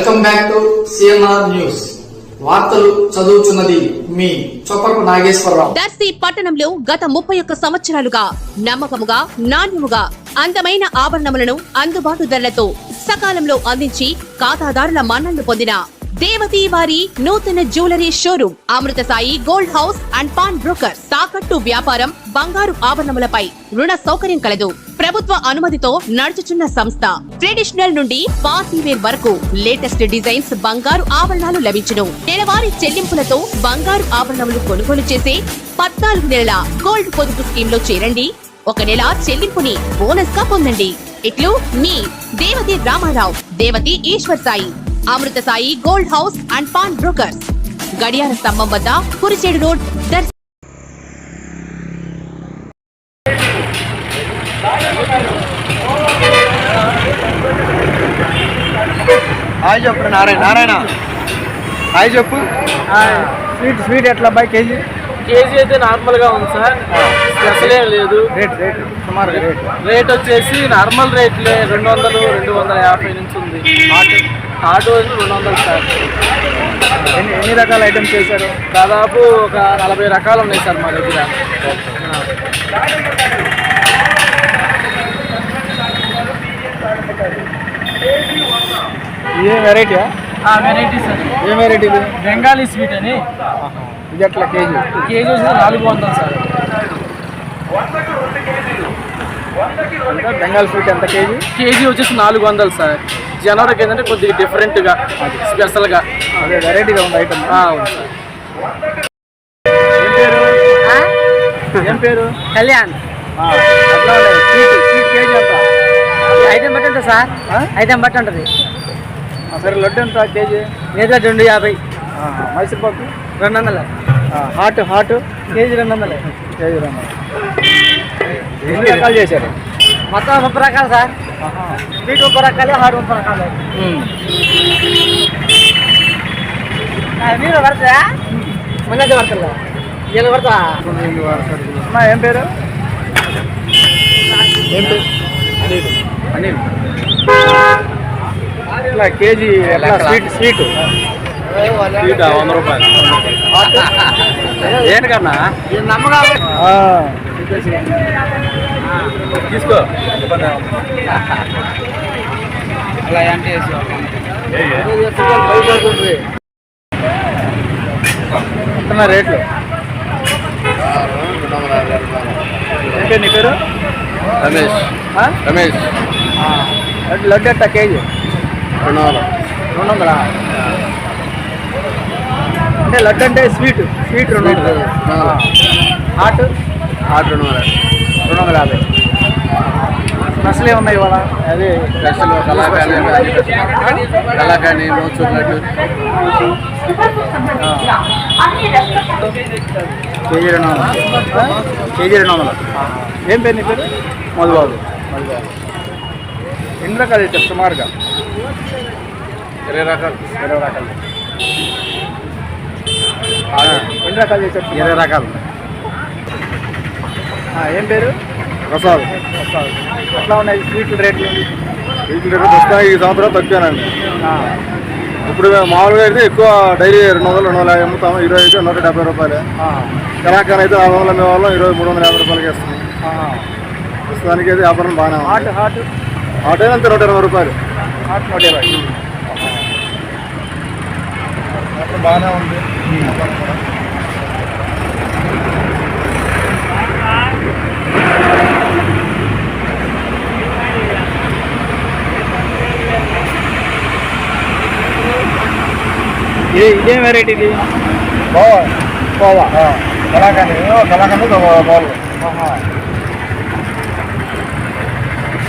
Welcome back to CNR news. వార్తలు చదువుతున్నది మీ చొప్పరపు నాగేశ్వరరావు. దర్శి పట్టణంలో గత 31 సంవత్సరాలుగా నమ్మకముగా, నాణ్యముగా అందమైన ఆభరణములను అందుబాటు ధరలతో సకాలంలో అందించి ఖాతాదారుల మన్ననలు పొందిన దేవతి వారి నూతన jewellery showroom Amrutha Sai gold house and pawn broker. తాకట్టు వ్యాపారం, బంగారు ఆభరణములపై రుణ సౌకర్యం కలదు. ప్రభుత్వ అనుమతితో నడుచుచున్న సంస్థ. ట్రెడిషనల్ నుండి పార్టీ వేర్ వరకు లేటెస్ట్ డిజైన్స్ బంగారు ఆభరణాలు లభించును. నెలవారీ చెల్లింపులతో బంగారు ఆభరణములు కొనుగోలు చేసే 14 నెలల గోల్డ్ పొదుపు స్కీమ్ లో చేరండి. 1 నెల చెల్లింపుని బోనస్ గా పొందండి. ఇట్లు మీ Devathi Ramarao, Devathi Eshwar Sai, Amrutha Sai gold house and pawn brokers, గడియార స్తంభం వద్ద, కురిచేడు రోడ్, దర్శి. హాయ్ చెప్పు నారాయణ హాయ్ చెప్పు. స్వీట్ ఎట్లా అబ్బాయి కేజీ? కేజీ అయితే నార్మల్ గా ఉంది సార్, స్పెషల్ ఏం లేదు. రేట్ వచ్చేసి నార్మల్ రేట్లే 200-250 నుంచి ఉంది. Auto 200 sir. ఎన్ని రకాల ఐటమ్స్ చేశారు? దాదాపు ఒక 40 రకాలు ఉన్నాయి సార్ మా దగ్గర. ఏ వెరైటీయా? Variety sir. ఏ వెరైటీ? బెంగాలీ స్వీట్ అని. ఇది ఎట్లా కేజీ? కేజీ వచ్చేసి 400 సార్. బెంగాల్ స్వీట్ ఎంత కేజీ? కేజీ వచ్చేసి 400 సార్. జనవరికి ఏంటంటే కొద్దిగా డిఫరెంట్గా, స్పెషల్గా, అదే వెరైటీగా ఉంది ఐటమ్. అవును సార్. ఏం పేరు? కళ్యాణ్. అట్లా స్వీట్ కేజీ ఎంత? ఐటమ్ బట్టి ఉంటుంది సార్, ఐటమ్ బట్టి ఉంటుంది. సరే లడ్డు ఎంత కేజీ? లేదా 250. Mysore pak 200. Hot K G 200. K G 200. ఎన్ని రకాలు చేశారు? మొత్తం 30 రకాలు సార్. స్వీట్ 30 రకాలు, హాట్ 30 రకాలు. మీరు పడతా మళ్ళీ పడతా నేను పడతా. ఏం పేరు? అనిల్. ఇట్లా కేజీ స్వీట్ 100 రూపాయలు. దేనికన్నా నమ్మగా తీసుకో. అలా అంటే రేట్లు ఏంటి నీ పేరు? రమేష్. లడ్డు ఎట్ట కేజీ? 200. అంటే లడ్డు అంటే స్వీట్ 200. హాట్ 250. స్పెషల్ ఏమున్నాయి ఇవాళ? అదే స్పెషల్ కలాకాని, మోచూర్ లడ్డు. కేజీ 200. ఏం పేరు నీ పేరు? మధుబాబు. ఎన్ని రకాలు అయితే సుమారుగా? 20 రకాలు. ఎన్ని రకాలు చేశారు? 20 రకాలు. ఏం పేరు? ప్రసాద్. ఎట్లా ఉన్నాయి స్వీట్ రేట్లు? వస్తాయి. ఈ సంవత్సరం తగ్గానండి. ఇప్పుడు మామూలుగా అయితే ఎక్కువ డైలీ 200-250 అమ్ముతాము. 20 అయితే 170 రూపాయలు. కలాకాన్ అయితే 400 అమ్మేవాళ్ళం, 350 రూపాయలకి వేస్తుంది. ప్రస్తుతానికి అయితే వ్యాపారం బాగానే ఉంది. హాట్ అయితే అంతే 120 రూపాయలు. హాట్ 120 బాగానే ఉంది. ఇదేం వెరైటీ? ఇది కోవా. కలాకాని బాల్.